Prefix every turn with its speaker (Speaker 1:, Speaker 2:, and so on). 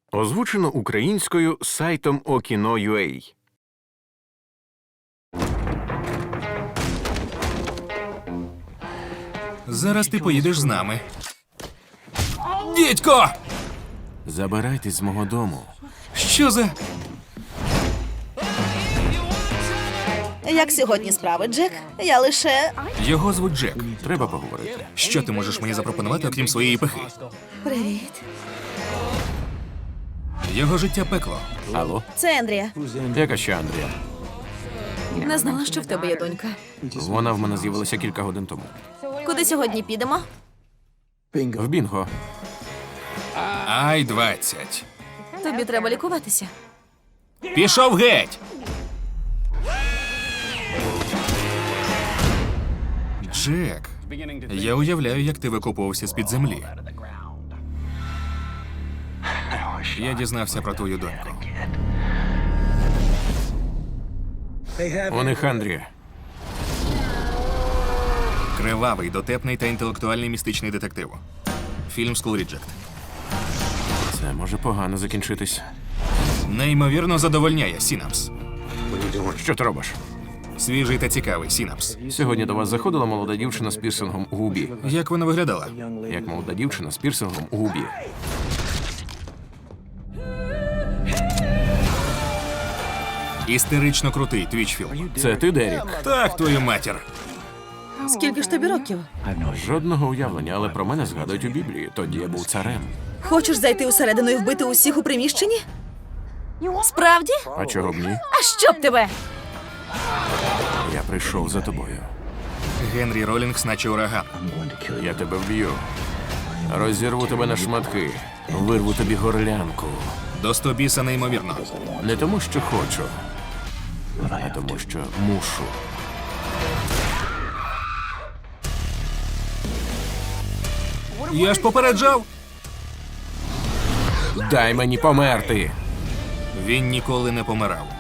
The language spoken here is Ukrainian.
Speaker 1: Озвучено українською сайтом Okino.ua.
Speaker 2: Зараз ти поїдеш з нами. Дідько!
Speaker 1: Забирайтесь з мого дому.
Speaker 2: Що за...
Speaker 3: Як сьогодні справи, Джек? Я лише...
Speaker 2: Його звуть Джек.
Speaker 1: Треба поговорити.
Speaker 2: Що ти можеш мені запропонувати, окрім своєї пихи?
Speaker 3: Привіт.
Speaker 2: Його життя пекло.
Speaker 1: Алло?
Speaker 3: Це Ендрія.
Speaker 1: Яка ще Андрія?
Speaker 3: Не знала, що в тебе є донька.
Speaker 1: Вона в мене з'явилася кілька годин тому.
Speaker 3: Куди сьогодні підемо?
Speaker 1: В Бінго.
Speaker 2: Ай, 20.
Speaker 3: Тобі треба лікуватися.
Speaker 2: Пішов геть! Джек, я уявляю, як ти викопувався з-під землі. Я дізнався про твою доньку.
Speaker 1: У них Андрія.
Speaker 2: Кривавий, дотепний та інтелектуальний містичний детектив. Фільм «School Reject».
Speaker 1: Це може погано закінчитись.
Speaker 2: Неймовірно задовольняє, Сінапс.
Speaker 1: Що ти робиш?
Speaker 2: Свіжий та цікавий, Сінапс.
Speaker 1: Сьогодні до вас заходила молода дівчина з пірсингом у губі.
Speaker 2: Як вона виглядала?
Speaker 1: Як молода дівчина з пірсингом у губі.
Speaker 2: Істерично крутий твічфілм.
Speaker 1: Це ти, Дерік?
Speaker 2: Так, твою матір.
Speaker 3: Скільки ж тобі років?
Speaker 1: Жодного уявлення, але про мене згадують у Біблії. Тоді я був царем.
Speaker 3: Хочеш зайти усередину і вбити усіх у приміщенні? Справді?
Speaker 1: А чого б ні?
Speaker 3: А що б тебе?
Speaker 1: Я прийшов за тобою.
Speaker 2: Генрі Ролінгс, наче ураган.
Speaker 1: Я тебе вб'ю. Розірву тебе на шматки. Вирву тобі горлянку.
Speaker 2: До стобіса неймовірно.
Speaker 1: Не тому, що хочу, а тому, що мушу.
Speaker 2: Я ж попереджав.
Speaker 1: Дай мені померти.
Speaker 2: Він ніколи не помирав.